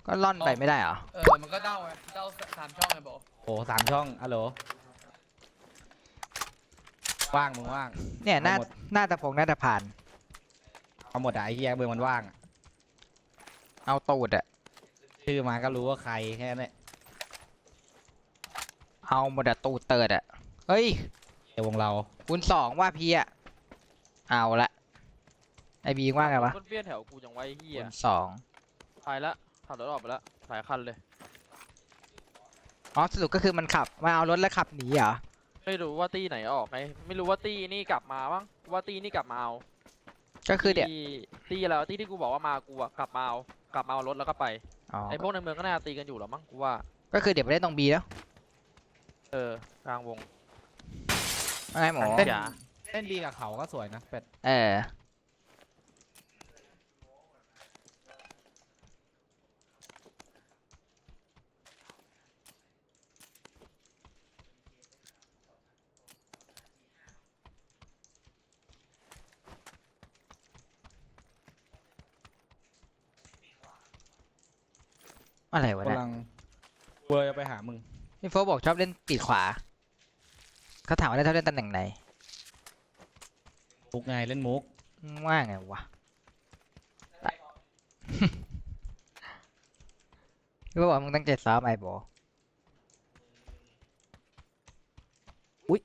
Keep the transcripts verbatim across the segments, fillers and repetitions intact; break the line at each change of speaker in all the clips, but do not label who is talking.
ก็ล่อนไปไม่ได้เหรอ
เออมันก็เด้าไงเด้าสามช่องไงบอก
โอ้สามช่องอะโหลว่างมึงว่าง
เนี่ยหน้าหน้าตะพงหน้าตะผ่าน
เอาหมดอะไอ้เหี้ยเมืองมันว่าง
เอาตูดอะ
ชื่อมาก็รู้ว่าใครแค่นั้น
เอาหมดอะตูดเติร์ดอะเฮ้ย
ในวงเรา
คูณสองว่าพี่อะเอาละไอบีว่าไงวะ
เปี้ยนแถวกูจังไว้เฮีย
คูณสอง
ไปละขับรถออกไปละหลายคันเลย
อ๋อสรุปก็คือมันขับมาเอารถแล้วขับหนีเหรอ
ไม่รู้ว่าตีไหนออกไงไม่รู้ว่าตีนี่กลับมาบ้างว่าตีนี่กลับมาเอา
ก็คือเดี๋ยว
ตีอะไรตีที่กูบอกว่ามากูอะกลับมาเอากลับมาเอารถแล้วก็ไป
อ๋อ
ไอพวกในเมืองก็น่าตีกันอยู่หรอมั้งกูว่า
ก็คือเดี๋ยวไปเล่นตรงบีแล้ว
เออกลางวง
ไอ้หมอ
เล่นดีกับเขาก็สวยนะเป็ด
เอออะไรวะเนี่ย
กำลังเวอร์จะไปหามึง
พี่โฟบอกชอบเล่นปีกขวาเขาถามว่าได้ชอบเล่นตำแหน่งไหน
มุกไงเล่นมุก
ว่าไงวะพี่โฟบอกมึงตั้งใจซ้อมไอ้โบอุ้ย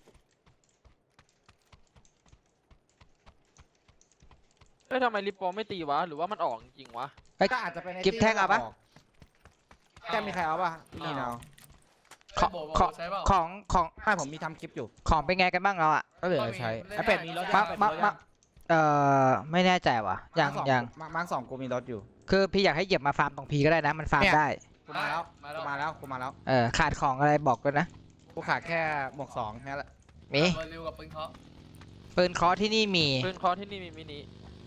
เอ้ยทำไมลิปโปไม่ตีวะหรือว่ามันออกจริงวะ
ก็อาจจะเป็น
กิฟแท่งเอาปะ
แท่งมีใครเอาปะนี่เนาะ
ของของของ
ให้ผมมีทำคลิปอยู่
ของเป็นไงกันบ้างเราอ่ะ
ก็เหลือใช้ไอเป็ดมีรถ
มามามาเอ่อไม่แน่ใจว่ะยังยัง
มาร์คสองกูมีรถอยู่
คือพี่อยากให้เหยียบมาฟาร์มตรงพีก็ได้นะมันฟาร์มได้
กูมาแล้วกูมาแล้วกูมาแล้ว
เออขาดของอะไรบอกกันนะ
กูขาดแค่หมวกสองแค่ละ
มี
เร็วกับปืนเคาะ
ปืนเคาะที่นี่มี
ปืนเคาะที่นี่มีมินิ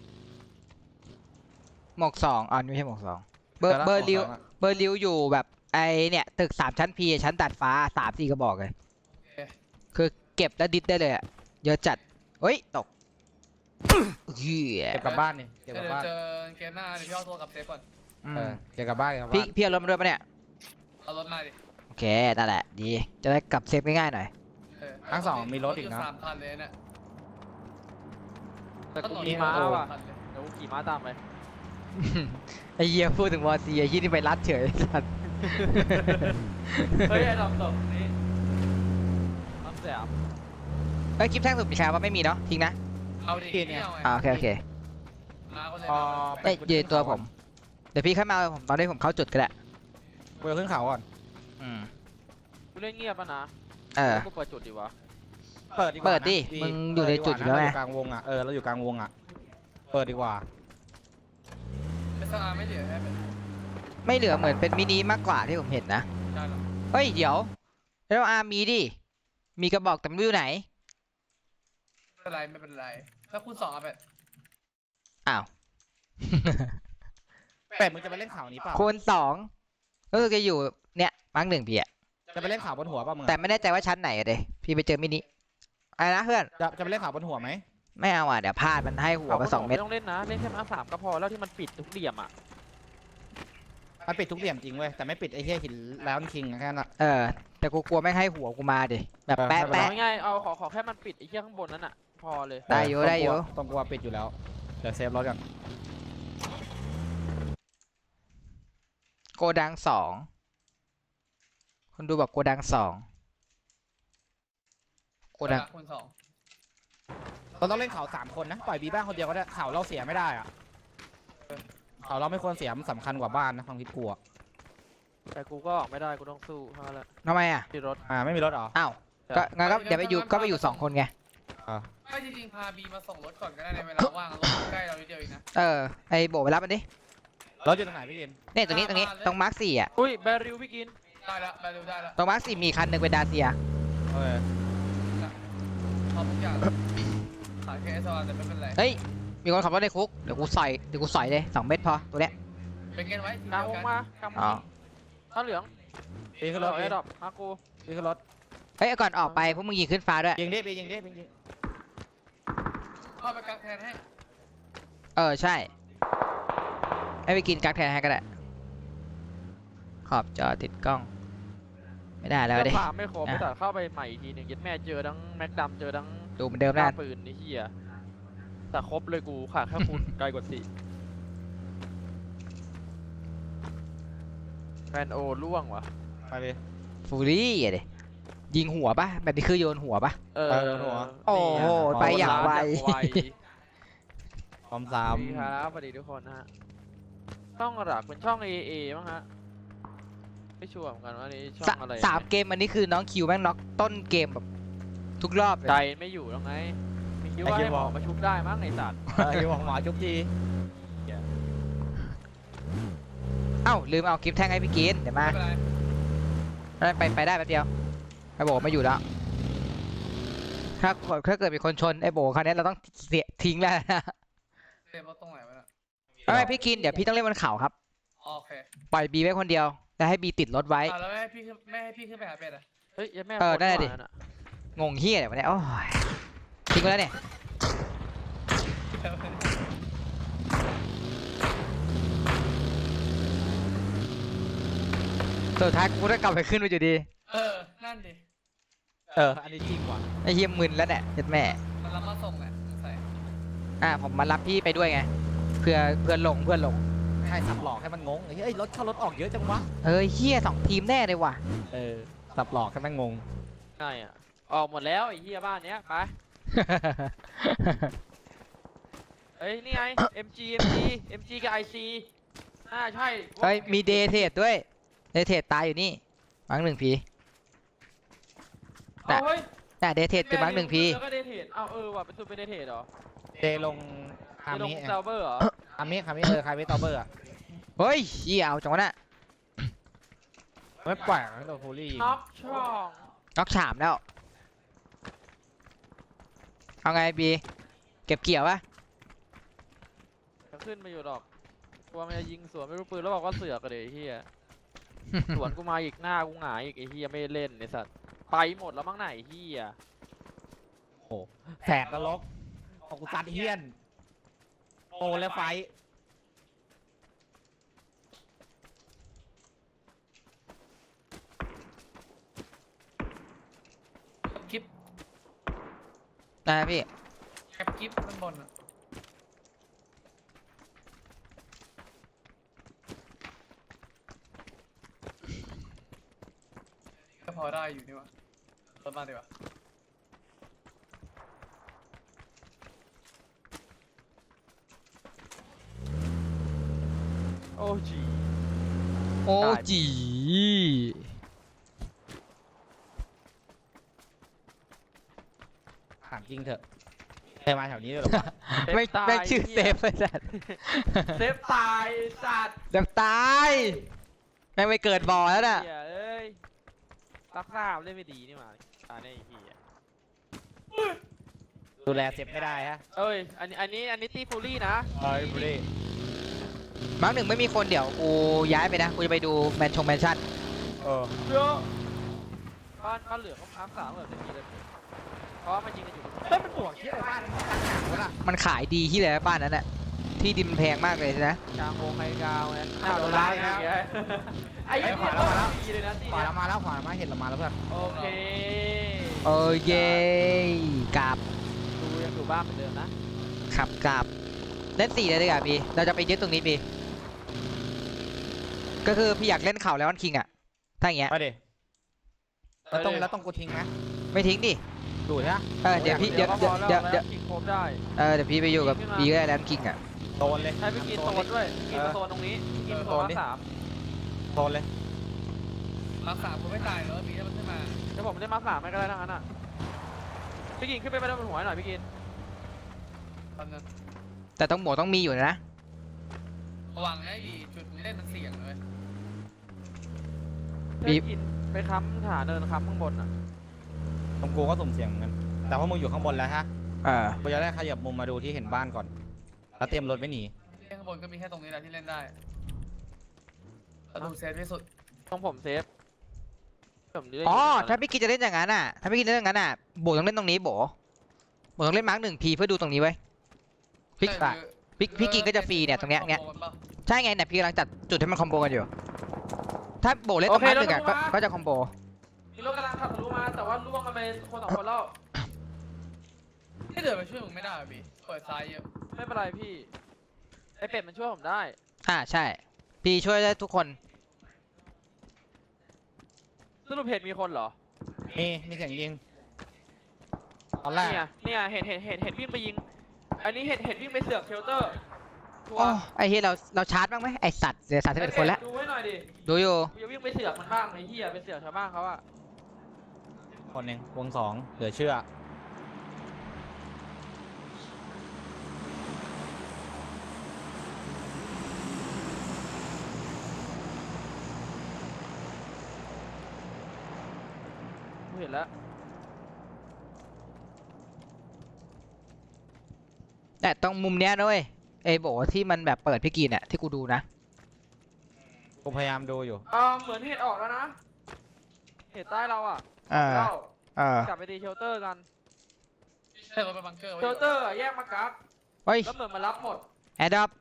หมวกสองอ๋อไม่ใช่หมวกสองเบอร์เบอร์ริวเบอร์ริวอยู่แบบไอเนี่ยตึกสามชั้นพีชั้นตัดฟ้าสามสี่กระบอกเลยคือเก็บแล้วดิสได้เลยอ่ะเยอะจัดเฮ้ยตก
เก็บกลับบ้านนี่
เก็บกลับบ้านเจอเกมหน้าเดี๋ยวพี่เอาโทรกับเซฟก่อน
เออเก็บกลับบ้าน
พี่พี่เอารถมาด้วยปะเนี่ย
เอารถมาดิ
โอเคนั่นแหละดีจะได้กลับเซฟง่ายๆหน่อย
ทั้งสองมีรถอีกนะ
สามคันเลยเนี่ย
แต่กูขี่ม้าว่ะเดี๋ยวกูขี่ม้าตามไป
ไอเหี้ยพูดถึงวอร์ซีไอ้ยี่นี่ไปรัดเฉยสัตว์
เฮ้ยไอ้ดำตกนี่ทำเสียบ
เอ้ยคลิปแท่งสุดมีใครว่าไม่มีเนาะทิ้งนะ
เอาดิเนี่ย
อ่าโอเคโอเคเอ้ยยืนตัวผมเดี๋ยวพี่เข้ามาผมตอนนี้ผมเข้าจุดก็ได้
กูจะขึ้นเขาก่อน
อืม
กูเล่นเงียบป่ะนะ
เออ
กูเปิดจุดดีวะ
เปิดดี
เปิดดิมึงอยู่ในจุดอยู่แล้วไง
กลางวงอ่ะเออเราอยู่กลางวงอ่ะเปิดดีกว่า
ไม่เหลือ
ไม่เหลือเหมือนเป็นมินิมากกว่าที่ผมเห็นนะเฮ้ยเดี๋ยวแล้วอาร์มีดิมีกระบอกแต่ไม่รู้ไหน
ไม่เป็นไรไม่เป็นไรถ้าคุณสองอ่ะเป็ด
อ้าว
เป็ดมึงจะไปเล่นข่าวนี้เปล่า
คูณสองก็คือจะอยู่เนี่ยมาร์กหนึ่งพี่อะ
จะไปเล่นข่าวบนหัวเปล่ามึง
แต่ไม่แน่ใจว่าชั้นไหนอะเดพี่ไปเจอมินิอะไรนะเพื่อน
จะจะไปเล่นข่าวบนหัวไหม
ไม่เอาอ่ะเดี๋ยวพลาดมันให้หัวมาสองเม็ด
ไม่ต้องเล่นนะเล่นแค่มาสามก็พอแล้วที่มันปิดทุกเหลี่ยมอ่ะ
มันปิดทุกเหลี่ยมจริงเว้ยแต่ไม่ปิดไอ้เหี้ยหินแล้วคิงแค่นั้น
เออแต่กูกลัวไม่ให้หัวกูมาดิแบบแปะแปะ
ง่ายเอาขอขอแค่มันปิดไอ้เหี้ยข้างบนนั้นอ่ะพอเลย
ได้อยู่ได้อยู่
ต้องกลัวปิดอยู่แล้วเดี๋ยวเซฟรถก่อน
โกดังสองคนดูบอกโกดังสองโกดัง
คุณสอง
เราต้องเล่นเขาสามคนนะปล่อยบีบ้านคนเดียวก็ได้เขาเราเสียไม่ได้อะเขาเราไม่ควรเสียมันสำคัญกว่าบ้านนะความคิดกู
แต่กูก็ออกไม่ได้กูต้องสู้เท่านั้นแหละ
ทำไมอ่ะ
มีรถ
อ่าไม่มีรถหรอ
อ้าวก็งั้นก็เดี๋ยวไปอยู่ก็ไปอยู่สองคนไง
ไม่จริงๆพาบีมาส่งรถก่อนก็ได้ในเวลาว่างรถใกล้เรานิดเดียวเองนะ
เออไอโบไปรับมันดิ
รถอยู่ตรงไหนพี่กิน
เนี่ยตรงนี้ตรงนี้ตรงมาร์คสี่อ่ะ
อุ้ยแบริวพี่กิน
ได้แล้วแบริวได้แล้ว
ตรงมาร์คสี่มีคันหนึ่งเป็นดาเซีย
โอเค
พอทุกอย่างขายแค่ซอนแต่ไม่เป็นไร
เฮ้ยมีคนขับรถในคุกเดี๋ยวกูใส่เดี๋ยวกูใส่เลยสองเม็ดพอตัวเนี้ย
เป็นเงินไว้
กลางวงมากลางวงข้าวเหลือง
ปีขึ้นรถ
ไอ้ดอกมากู
ปีขึ้นรถ
เฮ้ยก่อนออกไปพวกมึงยิงขึ้นฟ้าด้วย
ยิงดิปียิงดิปียิง
เข้าไปกักแทนให้
เออใช่ให้ไปกินกักแทนให้ก็ได้ขอบจอติดกล้อง ไม่ได้แล้ว
เสื้
ดิ
อผ้าไม่ครบ
อ่ะ
แต่เข้าไปใหม่อีกทีหนึ่งยัดแม่เจอทั้งแม็กดำเจอทั้ง
ดูเหมือนเดิม
หน้า
นะ
ปืนนี่เฮียแต่ครบเลยกูขาดแค่คุณ ไกลกว่าสี่แฟนโอล่วงวะ
ไปเลย
ฟูรี่อะดิยิงหัวปะแบบนี้คือโยนหัวปะ
เออ
เออหัว
โอ้โหไปอย่างไว
พร้อมสา
สาม
ม
ครับสวัสดีทุกคนนะฮะช่องหลักเป็นช่อง เอ เอ มั้งฮะไม่ชัวร์เหมือนกันว่านี่ช่อ
สาง
อะไร
สามเกมอันนี้คือน้องคิวแม่งน็อกต้นเกมแบบทุกรอบเลย
ใจไม่อยู่แล้วไงมีคิดว่าให้หมอมาชุบได้มั้งไอสัตว์
เอออยู่หมอจุ๊บที
เอ้าลืมเอาคลิปแท่งให้พี่กินเดี๋ยวมา
ไม่เป็นไร
แล้วไปไปได้แป๊บเดียวไอ้โบไม่อยู่แล้วถ้าถ้าเกิดมีคนชนไอ้โบคราวนี้เราต้องเสียทิ้งแล้วนะ
เรียนว่าตรงไหนวะเนี่ย
ไม่ไม่พี่กินเดี๋ยวพี่ต้องเล่นบนเขาครับ
อ๋อโอเค
ปล่อยบีไว้คนเดียวแล้วให้บีติดรถไว้
อ่ะแล้วไม่ให้พี่ขึ้นไม่ให้พี่ขึ้นไปหาเป็ดอ่ะ
เฮ้ยยังแม่
เออ
โคตร
ได้ดิ
หวานอะ
งงเฮียอะไรวะเนี่ยโอ้ยทิ้งไปแล้วเนี่ยสุดท้ายกูต้องกลับไปขึ้นไปอยู่ดี
เออนั่นดิ
เอออันนี้จริงว่ะ
ไอ้เฮียมึนแล้วเนี่ยเจ็ดแม่
มันรับมาส่งแหละใส่
อ่ะผมมารับพี่ไปด้วยไงเพื่อเพื่อนหลงเพื่อนหลง
ใช่สับหลอกให้มันงงเฮ้ยรถเข้ารถออกเยอะจังวะ
เฮ้ยเฮียสองทีมแน่เลยว่ะ
เออสับหลอกให้มันงง
ง่ายอ่ะออกหมดแล้วไอ้เหี้ยบ้านเนี้ยไปเฮ้ยนี่ไง เอ็ม จี เอ็ม จี เอ็ม จี กับ ไอ ซี อ่าใช่
เฮ้ยมีเดย์เทรดด้วยเดย์เทรดตายอยู่นี่มังหนึ่งพี
เอาเฮ้ย
น่ะเดย์เทรดเป็นมังหนึ่งพี
แล้วก็เดทเทรดอ้าวเออว่ะเป็นตัวเป็นเดทเทรดเหรอ
เดลงอา
เดลง
มิ
เซลเบอร์เหรอ
อามิอามิเออใครไม่ตอเบอร์อะ
เฮ้ยเฮียเอาจังวะน่ะ
ไม่ปล่อยให้โดนฟูรี่ยิง
น็อกช่อง
น็อกฉามแล้วเอาไงบีเก็บเกี่ยวปะ
จะขึ้นมาอยู่ดอกกลัวมันจะยิงสวนไม่รู้ปืนแล้วบอกว่าเสือกกันเลยไอ้เฮียสวนกูมาอีกหน้ากูหงายอีกไอ้เฮียไม่เล่นไอ้สัตว์ไปหมดแล้วมั้งไหนไอ้เฮีย
โอ้แสบนรกของกูซัดเฮียนโอและไฟ
คลิป
นะพี่
แคปคลิปข้างบนอ่ะก็พอได้อยู่นี่วะรถมาดีกว่า
โอ้จี
โอ้จี
ถามจริงเถอะเคยมาแถวนี้ด้วยหรอวะ
ไม่
ตาย
ไม่ชื่อเซ
หี้ย
ฟเลยสัตว์
เซฟตายสัตว์
เซฟตายแม่งไม่เกิดบ่อแล้วน่ะ
เหี้ยเอ้ยรักษาเล่นไม่ดีนี่หว่าตายในไอ้เหี้ย
ดูแลเจ็บไม่ได้ฮะ
เอ้ยอันนี้อันนี้อันนี้ตีฟูลี่นะ
เฮ้ยฟูรี่
มังหนึ่งไม่มีคนเดี๋ยวกูย้ายไปนะกูจะไปดูแมนชงแมนชั่น
เออ
เยอะบ้านบ้านเหลืองเขาพักสามแบบไม่มีเลยเพราะว่ามันยิงกันอยู่
เฮ้ยมันบวกที่อะไรบ้านมันหนักวะน่ะ
มันขายดีที่ไหนบ้านนั้นน่ะที่ดินมันแพงมากเลยนะ
กลางวงไฮกาวไง
อ้าวโดนไล่นะ
ไอ้เหี้ย
ขวาแล้วขวาแล้ว
ดีเลยนะที
ขวา
เนี้ย
เรามาแล้วขวาเรามาเห็นเรามาแล้วเพื่อน
โอเค
เออเย้กราบ
ดูยังอยู่บ้านเหมือนเดิมนะ
ขับกราบเล่นสี่เลยดีกว่าพี่เราจะไปยึดตรงนี้พี่ก็คือพี่อยากเล่นเข่าแล้ววันคิงอ่ะถ้าอย่างเงี้ย
ไปดิแล้วต้องแล้วต้องกูทิ้งไหม
ไม่ทิ้งดิ
ดูดใช่ไหม
เออเดี๋ยวพี่เดี๋ยว
ก็พ
เดี๋ยว
อแล้ว
เดี๋ยวเดี๋ยว
ยิงครบได้
เออเดี๋ยวพี่ไปอยู่กับบีก็ได้แล้วคิงอ่ะ
โดนเลย
ให้พี่กินโซนด้วยกินมาโซนตรงนี้กินมาโซนมาสาม
โดนเลย
มาสามกูไม่ตายแล้วมีให้มันขึ้นมา
เดี๋ยวผมเล่นมาสามไม่ก็ได้ทั้งนั้นอ่ะพี่กินขึ้นไปไปด้านบนหัวหน่อยพี่กิน
ตอนนั้น
แต่ต้องหมวกต้องมีอยู่นะ
ระวังให้ดีจุดเล่นมันเสี่ยงเลย
พี่กินไปค้ำฐานเดินค้ำข้างบนอ่ะ
ตรงกูก็สุ่มเสี่ยงเหมือนกันแต่ว่ามึงอยู่ข้างบนแล้วฮะ
เออ
กูจะได้ขยับมุมมาดูที่เห็นบ้านก่อนแล้วเตรียมรถไม่หนี
ที่ข้างบนก็มีแค่ตรงนี้แหละที่เล่นได้แล้วดูเซฟที่สุด
ต้องผมเซฟผมได้
อ๋อถ้าพี่กินจะเล่นอย่างนั้นอ่ะถ้าพี่กินเล่นอย่างนั้นอ่ะโบต้องเล่นตรงนี้โบโบต้องเล่นมาร์กหนึ่งพีเพื่อดูตรงนี้ไว้พี่
ใช่
พี่พี่กินก็จะฟรีเนี่ยตรงเนี้ยเนี้ย ใช่ไงเนี่ยพี่กำลังจัดจุดให้มันคอมโบกันอยู่ถ้าโบเล่นตรงนั้นหนึ่งอะก็ก็จะคอมโบ
มีรถกำลังขับทะลุมาแต่ว่าล่วงกันไปคนสองคนแล้ว
ที่เดินไปช่วยมึงไม่ได้พี่เปิดซ้ายเยอะ
ไม่เป็นไรพี่ไอเป็ดมันช่วยผมได้
อ่าใช่พี่ช่วยได้ทุกคน
สรุปเห็นมีคนเหรอ
มีมีเสียงยิงตอนแรก
เนี่ยเนี่ยเห็นเห็นเห็นเห็นวิ่งไปยิงอันนี้เห็นเห็นวิ่งไปเสือกเชลเตอร์ชัว
โอ้
ร์
ไอ้เฮียเราเราชาร์จบ้างไหมไอสัตว์เสียสามสิบเอ็ดคนแล้ว
ดูให้หน่อยดิ
ดูอยู่
กูจะวิ่งไปเสือกมันบ้างไอ้เหี้ยไปเสือกชาวบ้านเขาอะ
คนหนึ่งวงสองเหลือเชื่อ
กูเห็นแล้ว
แต่ตรงมุมเนี้ยนะเว้ยไอ้โบที่มันแบบเปิดพี่กีนเนี่ยที่กูดูนะ
กูพยายามดูอยู่
อ่าเหมือนเห็ดออกแล้วนะเห็ดใต้เราอะ
เออ
เรา
เออก
ลับไปตีเชลเตอร์กัน
ใช่รถไปบังเกอร์ไว้
เชลเตอร์อะแยกมากัก
เฮ้ย
แล้วเหมือนมารับหมด
แอดดอป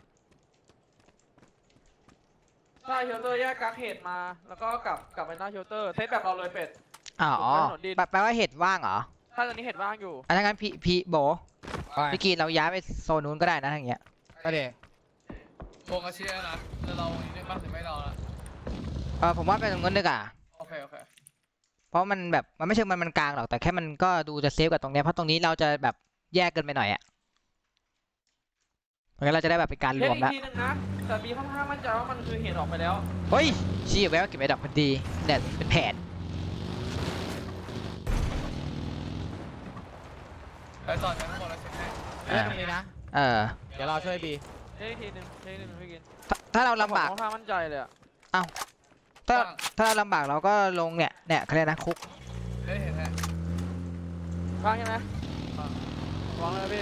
ใช่เชลเตอร์แยกกักเห็ดมาแล้วก็กลับกลับไปหน้าเชลเตอร์เซตแบบเราเลยเป็ด
อ๋อ
ผมไปถนนดิน
แปลแปลว่าเห็ดว่างเหรอ
ถ้าตอนนี้เห็ดว่างอยู่
อันนั้นงั้นพี่พี่โบ
ไป
พี่กีนเราย้ายไปโซนนู้นก็ได้นะอย่างเงี้ย
ก็เดี๋ยว
โกงกระเชียร์นะแล้วเราอย่างนี้ได้บ้างหรือไม่เราละ
เออผมว่าไปตรงนู้นดีกว่า
โอเคโอเค
เพราะมันแบบมันไม่เชิงมันมันกลางหรอกแต่แค่มันก็ดูจะเซฟกับตรงเนี้ยเพราะตรงนี้เราจะแบบแยกเกินไปหน่อยอะเพราะงั้นเราจะได้แบบเป็นการร
เช็คว
ม
อีก
แล้ว
ทีนึงนะแต่มีค่อนข้างมั่นใจว่ามันคือเห็ดออกไปแล้ว
เฮ้ยชี้ไว้ว่าเก็บไว้ดับพอดีเนี่ยเป็นแผน
ไปต่อจากข้างบนแล้วเช็คให้
เล่นตรงนี้นะ
เออ
เดี๋ยวเราช่วยบี
เช็คอีกทีนึงเช็คอีกทีนึงพี่กิน
ถ้าถ้าเราลำบาก
ผมค่อนข้างมั่นใจเลยอะ
ถ้าถ้าเราลำบากเราก็ลงเนี่ยเนี่ยเขาเรียกนะคุก
เฮ้ยเห็นไหม
ว่างใช่ไหมวางเลยพี่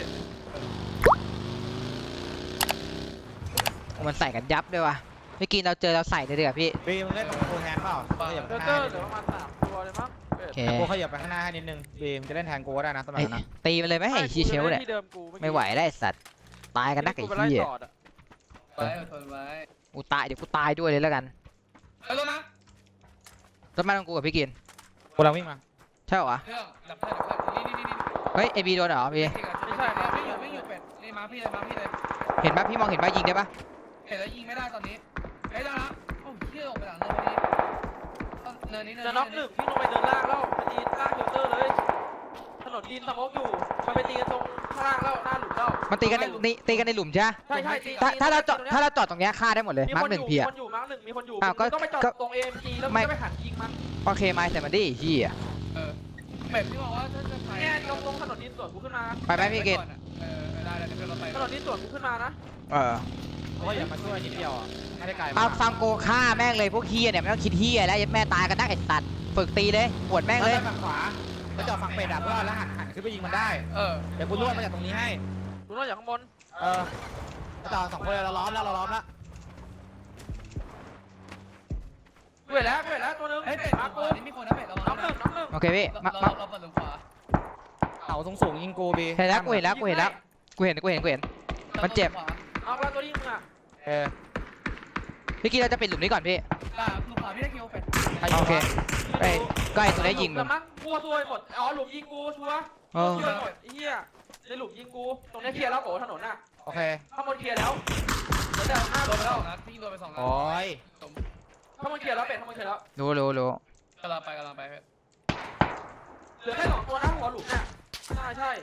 มันใส่กันยับด้วยว่ะเมื่อกี้เราเจอเราใส่เลยดีกว่าพี่
บีมึงเล่นตรงกูแทนเปล่าขยับ
เช
ไป
ล
ข้างห
เตอ
น้า
ร์
นิด
เหลื
นึ
อง ประมาณสามตัวเลยมั้งเป็ด
โอเค
กูขยับไปข้างหน้าให้นิดนึงบีมึงจะเล่นแทนกูก็ได้นะสมัย
เอ้ย
นั้นนะ
ตีมันเลยไหมไอ้ชีเชลเนี่ย
ที่เดิมกูเอกี้
ไม่ไหวได้สัตว์ตายกันนักไอ้
กูไปไล่
เหี้ย
ต่ออะ
ไว้อดทนไว้
กูตายเดี๋ยวกูตายด้วยเลยแล้วกัน
ไปรถนะ
รถมาของกูกับพี่กิน
กูกำลังวิ่งมา
ใช่เหรอวะ
เครื่องดับเครื่องดับเครื่องนี่นี่นี่นี่
เฮ้ยไอบีโดนเหรอพี่
ไม่ใช่ครับไม่อยู่ไม่อยู่เป็ดนี่มาพี่เลยมาพี่เลย
เห็นปะพี่มองเห็นปะยิงได้ปะ
เห็นแล้วยิงไม่ได้ตอนนี้เฮ้ยได้ละโอ้ยเที่ยวออกไปหลังเนินนี้เนินนี้เนิน
จะน็อกหนึ่งพี่ลงไปเดินล่างแล้วไปตีล่างเชลเตอร์เลยถนนดินสมอกอยู่มันไปตีกันตรงข้างล่างแล้วหน้าหลุมแล้ว
มันตีกันในนี่ตีกันในหลุมใช่ปะ
ใช่ใช่ตี
ถ้าถ้าเราจอด
ตงนี้ย
ถ้าเราจอดตรงเนี้ยฆ่าได้หมดเลย
มี
มาร์
ค
คน หนึ่ง
อยู่
พี่
มี
อะ
คนอยู่มาร์คหนึ่งมีคนอยู่
อ้าวก็
มึงต้องไปจอด
ก็
ตรง เอ เอ็ม จี แล้วมึ
ไม่
งก็ไปหันยิงมัน
โอเคมาแต่มันดิพี่อะ
เออเป็ดพี่บอกว่าถ้าจะไป
เนี่ยตรงตรงถนนดินสวนกูขึ้นมา
ไปไหมพี่กิน
เออได้ได้เดี๋ยวเราไป
ถนนดินสวนกูขึ้นมานะ
เออ
กูขยับมาช่วยนิดเดียวอ่ะไม่ได้ไกล
เอา
มาก
ฟังโกฆ่าแม่งเลยพวกเฮียเนี่ยไม่ต้องคิดเฮียแล้วยัดแม่ตายกันนักไอ้สัตว์ฝึกตีเลยปวดแม่ง
เล
เลย ย
ฝั่งขวาจะจอดฝั่งเป็ดอ่ะเพื่อแล้วหันหันขึ้นไปยิงมันได้
เออ
เดี๋ยวกูลวดมาจากตรงนี้ให้
ดูนอกจากข้างบน
เออจะจอดสองคนเราล้อมแล้วเราล้อมแล้ว
กูเห็นแล้วกูเห็นแล้วตัวหนึง
เฮ้ยเป็ด
มา
มา
ร์ค
กู
กู
นี่มีคนนะเป็ดระวัง
น้องหนึ่งน้องหนึ่ง
โอเคพี่มา
เรา
มา
เราเปิดหลุมขวา
เขาสูงสูงยิงกูบี
เห็นแล้วกูเห็นแล้วกูเห็นแล้วกูเห็นกูเห็นกูเห็น มันเจ็บ
น้องแล้วตัวยิงมึงอ่ะ
เออ
พี่กี้เราจะปิดหลุมนี้ก่อนพี่
อ่าหลุมขวาพี่ได้คิวเป็ด
โอเค เอ้ยก็ไอ้ตัวนี้ยิงมึง
แต่มั้งกลัวตัวหมดอ๋อหลุมยิงกูชัวร์
เออ
ชัวร์หมดไอ้เหี้ยในหลุมยิงกูตรงนี้เคลียร์แล้วโอ้ถนนน่ะ
โอเค
ข้างบนเคลียร์แล้วเดี๋ยวจะหน้า
โด
โด
น
น
ไป
ไป
ส
แล้
อ
ว
งนัดพี่โดนไปสองนัด
โอ้ย
ข้างบนเคลียร์แล้วเป็ดข้างบนเคลียร์แล้ว
รู้รู้รู้
กำลังไปกำลังไปเป็ด
เหลือแค่สองตัวนะหัวหลุมน่ะใช่ใช่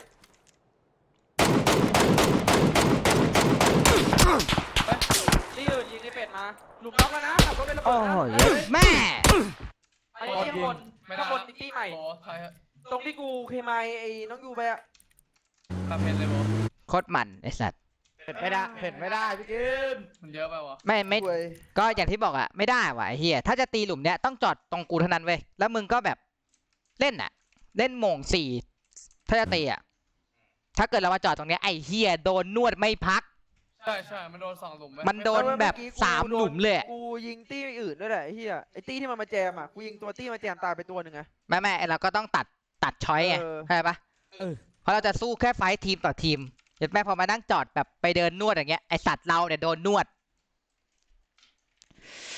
นี่อื่นยิงไอ้เป็ดมาหลุมน็อกแล้วนะขับรถไประเบิ
โอ้
ดนะ
โหเยอะแม่
ไอ้ที่ข้างบนข้างบนนิตี้ใหม่
โอ้ใช่ฮะ
ตรงที่กูเคมายไอ้น้องยูไปอะ
คาเพนเลยโบ
โคตรมันไอสัตว์
เผ็ดไม่ได้เผ็ดไม่ได้พี่กิน
มันเยอะไปวะ
ไม่ไม่ก็อย่างที่บอกอะไม่ได้ว่ะไอ้เฮียถ้าจะตีหลุมเนี้ยต้องจอดตรงกูเท่านั้นเว้ยแล้วมึงก็แบบเล่นอะเล่นโหม่งสี่ถ้าจะตีอะถ้าเกิดเรามาจอดตรงเนี้ยไอ้เฮียโดนนวดไม่พัก
ใช่ใช่มันโดนสองหลุมไหม
มันโดนแบบสามหลุมเลยอะ
กูยิงตี้อื่นด้วยแหละไอ้เหี้ยไอ้ตี้ที่มันมาแจมอ่ะกูยิงตัวตี้มาแจมตายไปตัวหนึ่งไง
ไม่ไม่เราก็ต้องตัดตัดช้อยไง
เออ
เข้าใจปะเพราะเราจะสู้แค่ไฟท์ทีมต่อทีมเห็นไหมพอมานั่งจอดแบบไปเดินนวดอย่างเงี้ยไอสัตว์เราเนี่ยโดนนวด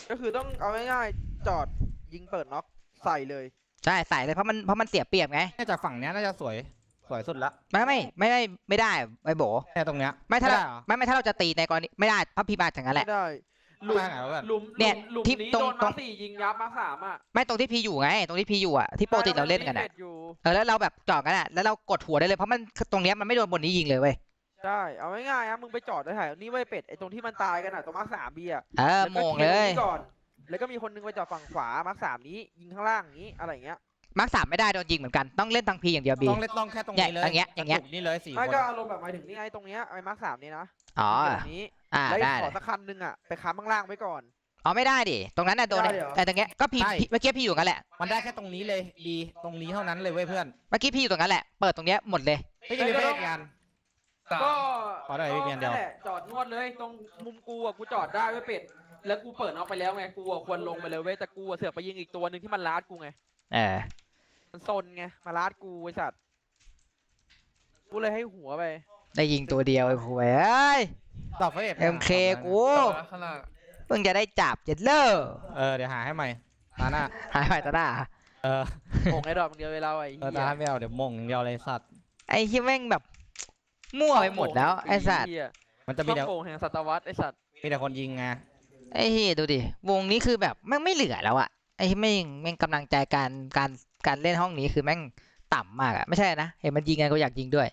ก็คือต้องเอาง่ายๆจอดยิงเปิดน็อกใส่เลย
ใช่ใส่เลยเพราะมันเพราะมันเสียเปรียบไง
น่าจะฝั่งเนี้ยน่าจะสวยสวยสุดละ
ไม่ไม่ไม่ไม่ไม่ได้ไอ้โบ
แค่ตรงเนี้ย
ไม่ถ้าเรา
ด้เหรอ
ไม่ไม่ถ้าเราจะตีในกรณีไม่ได้พับพีมาอย่างนั้นแหละ
ไม่ได้
หลุมไหนวะเพื่อน
หลุม
เนี่ย
หลุม
ที่
นี้
ตรง
โดน
ตร
มาง สี่ยิงยับมาสามอ่ะ
ไม่ตรงที่พีอยู่ไง ตรงที่พีอยู่อ่ะที่ปกติเราเล่นกันอ่ะ
ใช่อยู่
เออแล้วเราแบบจอดกันอ่ะแล้วเรากดหัวได้เลยเพราะมันตรงเนี้ยมันไม่โดนบนนี้ยิงเลยเว้ย
ใช่เอาง่ายๆนะมึงไปจอดได้ถ่ายนี่ไว้ยเป็ดไอ้ตรงที่มันตายกันอ่ะตรงมาร์คสามบีอ่ะ
เออ
แล้ว
โม
ก็
ง
คลี
เลย
ร์ตรงนี้ก่อนแล้วก็มีคนนึงไปจอดฝั่งขวามาร์คสามนี้ยิงข้างล่างอย่างนี้อะไรอย่างเงี้ย
มาร์คสามไม่ได้โดนยิงเหมือนกันต้องเล่นทางพีอย่างเดียวบี
ต้องเล่นต้องแค่ตรงนี้เลย
อย่างเงี้ยอย่างเงี้ย
กระจุกนี่เลยสี่ค
ไม่
น
ก็อารมณ์แบบหมายถึงนี่ไงตรงเนี้ยไอ้มาร์คสามนี้นะ
อ๋อ
ยิงแบบนี้
อ่า
แล้ว
ได้
ข
เล
อย สักคันนึงอ่ะไปค้ำข้างล่างไว้ก่อน
อ๋อไม่ได้ดิตรงนั้นน่ะโดน
ได้เหรอ
แต่ตรงเนี้ยก็พีพีเมื่อกี้พีอยู่กันแหละ
มันได้แค่ตรงนี้เลยดีตรงนี้เท่านั้นเลยเว้ยเพื่อน
เมื่อกี้พี่อยู่ตรงนั้นแหละ เปิดตรงเนี้ยหมดเลย
ไม่กินไปเล่นกัน
สาม
ก็
ขอได้พี่เมียนเดียว
นั่นแหละจอดนวดเลยตรงมุมกูอ่ะกูจอดได้ไว้ยเป็ดแล้วกูเปิดน็อกไปแล้วไงกูอ่ะควรลงไปเลยเว้ยแต่กูอ่ะเสือกไปยิงอีกตัวหนึ่งที่มันลาดกูไง
เออ
มันซนไงมาลาดกูไอ้สัตว์กูเลยให้หัวไป
ได้ยิงตัวเดียวไอ้ผู้เอ้ย
ตอบเฟส
เอ็มเคกู
ข้างล่าง
เพิ่งจะได้จับเจ็ดเลอร์
เออเดี๋ยวหาให้ใหม่ตาหน้า
หายไปตาหน้า
เออ
โง่ไอ้ดอกเดียวเวลาไอ้
เออ
เหี้
ตาย หน้าไม่เอาเดี๋ยวมงอย่างเดียวเลยสัตว์
ไอ้ที่แม่งแบบมั่วไปหมดแล้วไอ้สัตว์
เหี้ย
มันจะมี
ช่
แต่
องโป่งแห่งศตวรรษไอ้สัตว์
มีแต่คนยิงไง
ไอ้เฮียดูดิวงนี้คือแบบแม่งไม่เหลือแล้วอะไอ้ที่แม่งแม่งกำลังใจการการการเล่นห้องนี้คือแม่งต่ำมากอะไม่ใช่นะเห็นมันยิงกันก็อยากยิงด้วย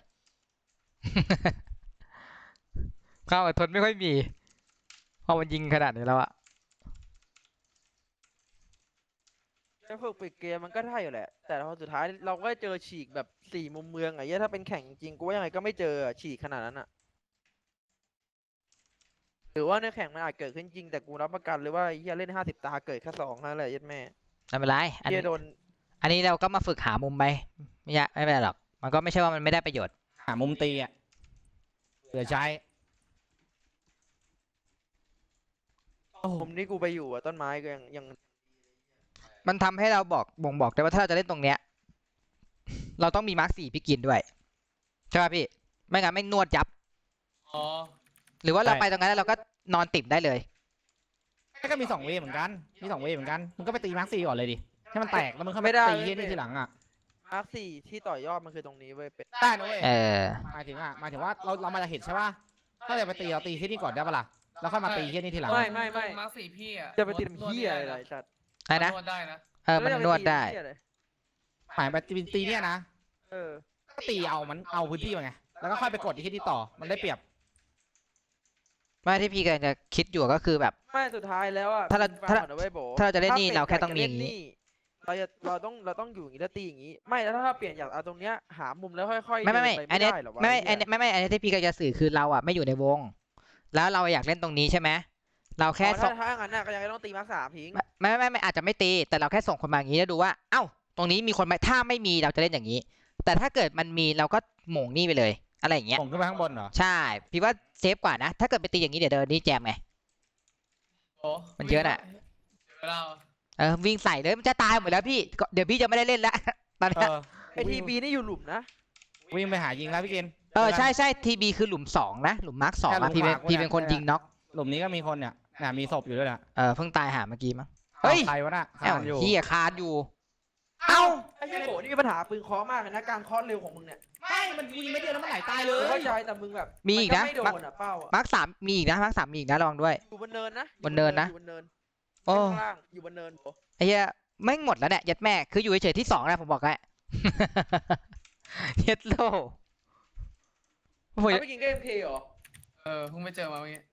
ความอดทนไม่ค่อยมีพอมันยิงขนาดนี้แล้วอะ
จะฝึกปิดเกมมันก็ได้อยู่แหละ แต่พอสุดท้ายเราก็เจอฉีกแบบสี่มุมเมืองไอ้เหี้ยถ้าเป็นแข่งจริงกูว่ายังไงก็ไม่เจอฉีกขนาดนั้นอะหรือว่าในแข่งมันอาจเกิดขึ้นจริงแต่กูรับประกันเลยว่าไอ้เหี้ยเล่นห้าสิบตาเกิดแค่สองนั่นแหละยัดแม่
ไม่เป็นไรอัน
เหี้
นี้
ยโดน
อันนี้เราก็มาฝึกหามุมไปไม่ยากไม่เป็นไรหรอกมันก็ไม่ใช่ว่ามันไม่ได้ประโยชน์
หามุมตีอ่ะเหลือใช้โอ้โห
มุมที่กูไปอยู่อะต้นไม้ก็ยังยัง
มันทำให้เราบอกบ่งบอกได้ว่าถ้าเราจะเล่นตรงเนี้ย เราต้องมีมาร์คสี่พี่กินด้วยใช่ป่ะพี่ไม่งั้นไม่นวดยับ
อ๋อ
หรือว่าเราไปตรงนั้นแล้วเราก็นอนติ่มได้เลย
ก็มีสองเวย์เหมือนกันมีสองเวย์เหมือนกันมึงก็ไปตีมาร์คซีก่อนเลยดิให้มันแตกแล้วมึงเข้าไป
ไม่ได้
ตีที่นี่ทีหลังอ่ะ
มาร์คสี่ที่ต่อยอดมันคือตรงนี้เว้ยเป็ด
ได้นะเว้ย
เออ
หมายถึงอ่ะหมายถึงว่าเราเรามาจะเห็นใช่ป่ะถ้าจะไปตีเราตีที่นี่ก่อนได้ปะล่ะแล้วค่อยมาตีที่นี่ทีหลัง
ไม่ไม่ไม่
มาร์คสี่พี่อะ
จะไปติดเหี้ยอะไรล่ะไอ้สัตว์
อะไรนะ
นวดได้นะ
เออมันนวดได้
แล้จะปตีเหี้ยอะไร
หมายไปตีตีเนี่ยนะ
เออ
ก็ตีเอามันเอาพื้นที่มาไงแล้วก็ค่อยไปกดที่ที่ต่อมันได้เปรียบ
ไม่ที่พี่กำลังจะคิดอยู่ก็คือแบบ
ไม่สุดท้ายแล้วอะ
ถ้าเรา
ฟัง
ถ้า
ก่อนนะเว้ยโบ
ถ้าเราจะเล่นนี่
ถ้
เราแค่
ปลี่ยน
ต้องมีอย่างนี้
นี้เราจะเราต้องเราต้องอยู่อย่างนี้แล้วตีอย่างนี้ ไม่แล้วถ้าเปลี่ยนจากเอาตรงเนี้ยหามุมแล้วค่อยๆ
ไม่ไม่ไม่
เดินป
อันเนี้ย
ด้หรอวะ
ไม่ไม่
เหี้
อั
ย
นเนี้ยไม่ไม่อันเนี้ยที่พี่กำลังจะสื่อคือเราอ่ะไม่อยู่ในวง แล้วเราอยากเล่นตรงนี้ใช่ไหมเราแค่
อ๋อ
ส่
ถ้าง ถ้างั้นน่ะก็ยังต้องตีมาร์คสามทิ้ง
ไม่ไม่ไม่ไม่อาจจะไม่ตีแต่เราแค่ส่งคนมาอย่างนี้แล้วดูว่าเอ้าตรงนี้มีคนไหมถ้าไม่มีเราจะเล่นอย่างนี้ แต่ถ้าเกิดมันมีเราก็หม่งนี่ไปเลย อะไรอย่างเงี้ย
ส่งขึ้นไปข้างบนเหรอ
ใช่พี่ว่าเซฟกว่านะถ้าเกิดไปตีอย่างนี้เดี๋ยวเดินนี่แจมไง
โอ้
มันเยอะน่ะ
เวลา
เออวิ่งใส่เลยมันจะตายหมดแล้วพี่ก็เดี๋ยวพี่จะไม่ได้เล่นแล้ว ตอน
เอ
เนี้ย
อ
ไอทีบีนี่อยู่หลุมนะ
วิ่งไปหายิงแล้วพี่กิน
เออใช่ใช่ทีบีคือหลุมสองนะหลุมมาร์คสอง
แค่หลุ
อะ
ม
พี่เป็น
ขวากู
พี่
เนี่ย
เป็นคนยิงน็อก
หลุมนี้ก็มีคนเนี่ยน่ะมีศพอยู่ด้วยน่ะ
เออเพิ่งตายหาเมื่อกี้มั้งเฮ้ย
ใครวะน่ะ
เอ้า
คานอยู่
เฮียคานอยู่
เอ้าไอ้เหี้ยโบนี่มีปัญหาปืนเคอมากเลยนะการเคอเร็วของมึงเนี่ย
ไม่มันยิงไม่เดียวแล้วมันไหลตายเล
กู
ย
เข้าใจแต่มึงแบบ
มีอีกนะ
ไม่โดนอ่ะเป้าอ่ะ
มาร์คสามมีอีกนะมาร์คสามมีอีกนะระวังด้วย
อยู่บนเนินนะ
บนเนินนะ
อยู่บนเนิน
โอ้
ข้างล่างอยู่บนเนินโบ
ไอ้เหี้ยแม่งหมดแล้วเนี่ยยัดแม่คืออยู่เฉยๆที่สองนะผมบอกให้ เย็ดโลโอ้ย
เอาไปกินเกมเคเหรอ
เออเพิ่งไปเจอมาเมื่อกี้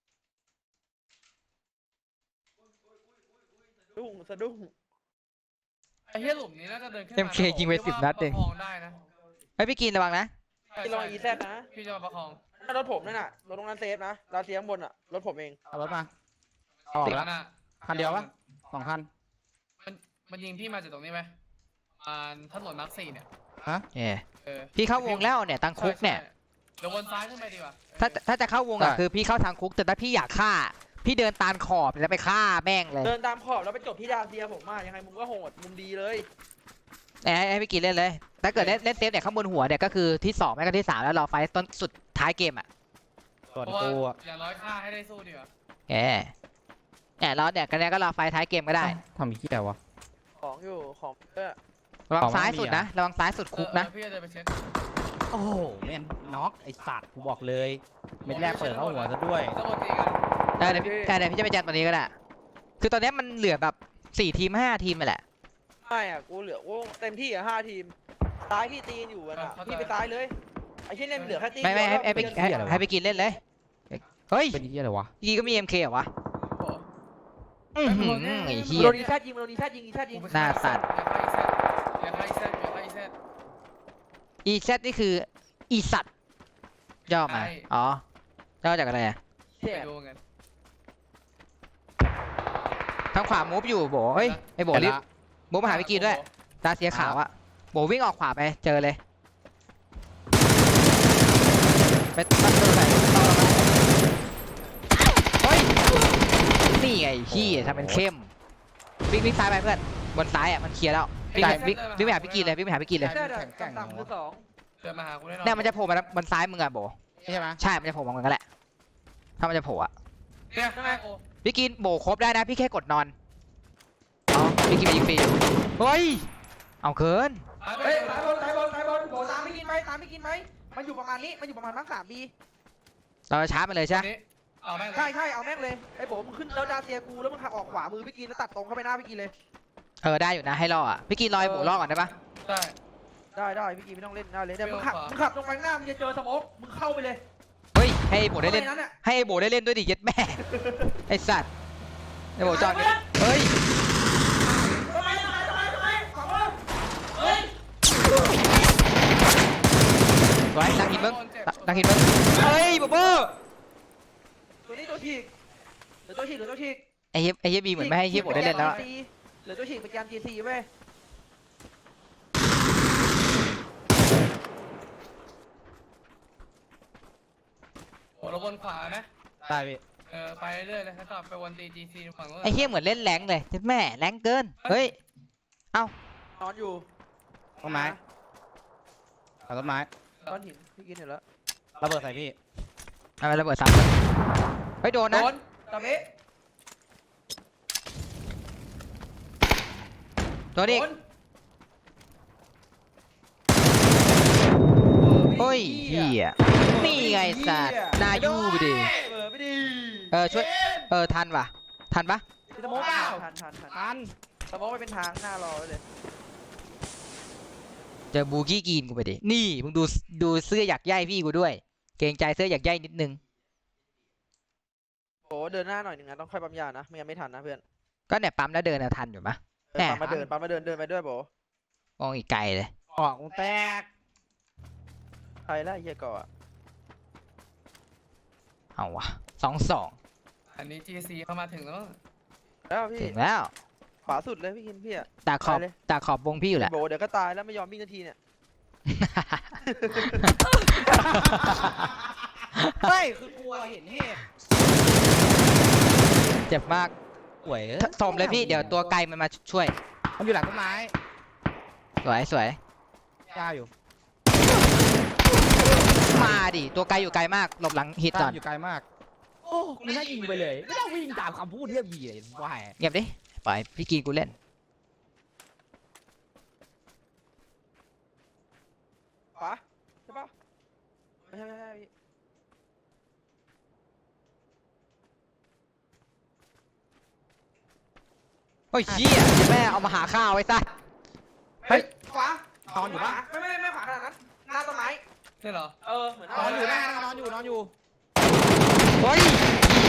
สะดุ้งสะดุ้ง
ไอ้เหี้ยหลุมนี้น่าจะเดินขึ้นมา
เอ็มเคยิงไปสิบนัดเอง
ประคองได้นะ
ไอ้พี่กินระวังนะ
ใช่
พี่ลอง
ใช่
อีแซดนะ
พี่จะมาประคอง
นั่นรถผมนั่นน่ะรถตรงนั้นเซฟนะดาวเทียมบนอ่ะรถผมเอง
เอารถมาออกแล้ว
นั่นน่ะ
คันเดียวปะสองคัน
มันมันยิงพี่มาจากตรงนี้ไหมประมาณถนนมาร์คสี่เนี่ย
เอ้ย
เออ
พี่เข้าวงแล้วเนี่ยตังคุกเนี่ย
ใช่ใช่เดี๋ยววนซ้ายขึ้นไปดีกว่า
ถ้าถ้าจะเข้าวงอ่ะคือพี่เข้าทางคุกแต่ถ้าพี่อยากฆ่า พี่เดินตามขอบแล้วไปฆ่าแม่งเลย
เดินตามขอบแล้วไปจบที่ดาวเทียมผมมายังไงมุมก็โหดมุมดีเลย
ให้ให้ให้พี่กินเล่นเลย ถ้าเกิดเล่นเล่นเซฟเนี่ยข้างบนหัวเนี่ยก็คือที่สองไม่ก็ที่สามแล้วรอไฟต์ต้นสุดท้ายเกมอ่ะ
ส่วน
เพราะว่า
กูอะ
อย่างน้อยฆ่าให้ได้สู้ดีกว่า
เอ้ยแอเนี่ยเราเนี่ยกันเนี้ยก็รอไฟท้ายเกมก็ได้
ทำเหี้ยวะ
ของอยู่ของเออ
ระวัง
ของมัน
ซ้าย
มี
สุด
อะ
นะระวังซ้ายสุดคุกนะ
เออพี่จะเดินไปเช็ค
โอ้โหแม่นน็อกไอ้สัตว์กูบอกเลยเม็ดแรกเปิดเข้าหัวซะด้วย
ต้องโอตีกัน
เออเดี๋ยวพี่เออเดี๋ยวพี่จะไปแจมตัวนี้ก็ได้คือตอนเนี้ยมันเหลือแบบสี่ทีมห้าทีมไปแหละ
ไม่อ่ะกูเหลือกูเต็มที่อ่ะห้าทีมซ้ายพี่ตีนอยู่อ่ะนะพี่ไปซ้ายเลยไอ้เช่นเนี่ยมันเหลือแค่ตีน
ไม่ไม่ให้ให้ไป
เดียว
ให้
แล้ว
ให้ไปกินเล่นเลยเฮ้ย
เป็นเหี้ยอะไรวะ
พี่ก็มี เอ็ม เค เหรอวะ
โอ้
อื้อหือไอ้เหี้ย
โดนอีแซดยิงโดนอีแซดยิงอีแซดยิง
กูไป
หน้าสัตว์
อย่าฆ่าอีแซดอย่าฆ่าอีแซด
อีแซดนี่คืออีสัตว์ย่อมา
ใช่
อ๋อย่อจากอะไรอะ
อย่าฆ่าอีแซดไปดูกัน
ทางขวามูฟอยู่โบเฮ้ยไอ้โบรีบมูฟมาหาพี่กินด้วยตาเสียขาวอะโบวิ่งออกขวาไปเจอเลยไปตั้งตัวไหนต่อมาเฮ้ยนี่ไงพี่ทำเป็นเข้มวิ่งวิ่งซ้ายไปเพื่อนบนซ้ายอะมันเคลียร์แล้ววิ่งไปวิ่งวิ่งไปหาพี่กินเลยวิ่งไปหาพี่กินเลย
แซดอะต่ำๆคือสอง
เดินมาหากูแน่นอน
เนี่ยมันจะโผล่มาบนซ้ายมึงอะโบ
ใช่ไหม
ใช่มันจะโผล่มาเหมือนกันแหละถ้ามันจะโผล่อะ
เนี่ยข้างในโอ้
พี่กินโบครบได้นะพี่แค่กดนอนอ๋อพี่กินไปยิงฟรีเฮ้ยเอาเกิน
เฮ้ยสายบนสายบนสายบนโบตามไม่กินไหมตามไม่กินไหมมันอยู่ประมาณนี้มันอยู่ประมาณทั้งสามบี
เราจะชาร์จมันเลยใช่ไหม
นี้เอาแม่ง
ใช่ใช่เอาแม่งเลยไอ้โบมึงขึ้นแล้วดาเซียกูแล้วมึงขับออกขวามือพี่กินแล้วตัดตรงเข้าไปหน้าพี่กินเลย
เออได้อยู่นะให้รออ่ะพี่กินรอให้โบรอก่อนได้ปะ
ได้
ได้ได้พี่กินไม่ต้องเล่นได้เลยเดี๋ยวมึงขับมึงขับตรงไปข้างหน้ามึงจะเจอสโมกมึงเข้าไปเลย
เฮ้ยให้โบได้เล่น
นั้นอ่ะ
ให้โบได้เล่นด้วยดิเย็ดแม่ ไอสัตว์ไอโบจอดเฮ้ย
ทำไมทำไมทำไมทำไมขวามือเฮ้ย
ไว้ดังหินมึงดังหินมึงเฮ้ยโบโบ
ตัวนี้ตัวฉีกเหลือตัวฉีกเหลือตัวฉีก
ไอเฮียไอเฮียบีเหมือนไม่ให้เฮียโบได้เล่นแล้วอะ
เหลือตัวฉีกเป็นแกน จี ซี เว้ย
โอ้เราวนขวาไหม
ได้พี่
เออไปเรื่อยเลยแล้วก็ไปวนตีจีซีฝั่งนู้น
ไอเฮียเหมือนเล่นแรงเลยเย็ดแม่แรงเกินเฮ้ย
นอนอยู่
ต้นไม้เอาต้นไม้
ก้อนหินพี่กินเห็นแล้ว
ระเบิดใส่พี่
เอาไประเบิดซ้ำเลยเฮ้ยโดน
โด
นะ
นตะเบะ
โดนอีกเฮ้ยเฮียนี่ไงสัตว์นายูไปดิ
เออไม่ดี
เออช่วยเออทันปะทันปะ
สโมกเปล่าทันทันทัน
ทัน
สโมกไปเป็นทางหน้ารอไว้เลย
เจอบูกี้กีนกูไปดินี่มึงดูดูเสื้ออยากใยพี่กูด้วย เกรงใจเสื้ออยากใยนิดนึง
โอ้เดินหน้าหน่อยหนึ่งนะต้องค่อยปั๊มยานะไม่งั้นไม่ทันนะเพื่อน
ก็เนี่ยปั๊มแล้วเดินอะทันอยู่ปะ
เออปั๊มมาเดินปั๊มมาเดินเดินไปด้วยโบ
มองอีกไกลเลย
ออกกูแตก
ใครล่ะไอ้เฮียก่ออะ
เอาวะสองสอง
อันนี้จีซีเข้ามาถึงแล้ว
แล้วพี่
ถึงแล้ว
ขวาสุดเลยพี่กินพี่อะ
ตาขอบ
ไปเลย
ตาขอบวงพี่อยู่แหละ
โบเดี๋ยวก็ตายแล้วไม่ยอมวิ่งนาทีเนี่ย
เฮ้ยคือกลัวเห็นเหตุ
เจ็บมาก
ป่วย
สมเลยพี่เดี๋ยวตัวไกลมันมาช่วย
มันอยู่หลังต้นไม้
สวยสวย
กล้าอยู่
มาดิตัวไกลอยู่ไกลมากหลบหลังฮิต
กล้า
ก่อน
อยู่ไกลมากโอ้กูน่ายิงไปเลยไม่ต้องวิ่งตามคำพูดเรียบยีเลยว่า
เงียบดิปล่อยพี่กีนกูเล่น
ขวาใช่ปะไม่ใช่ไม่ใช่พี่
โอ้ยเชี่ยแม่เอามาหาข้าวไว้ซะ
เฮ้ยขวาน
อนอยู่ปะ
ไม่ไม่ไม่ขวาขนาดนั้นหน้าต้นไม้
ใช่เหรอ
เออเหมือน
นอนอยู่หน้านอนอยู่นอนอยู่
เฮ้ยเหี้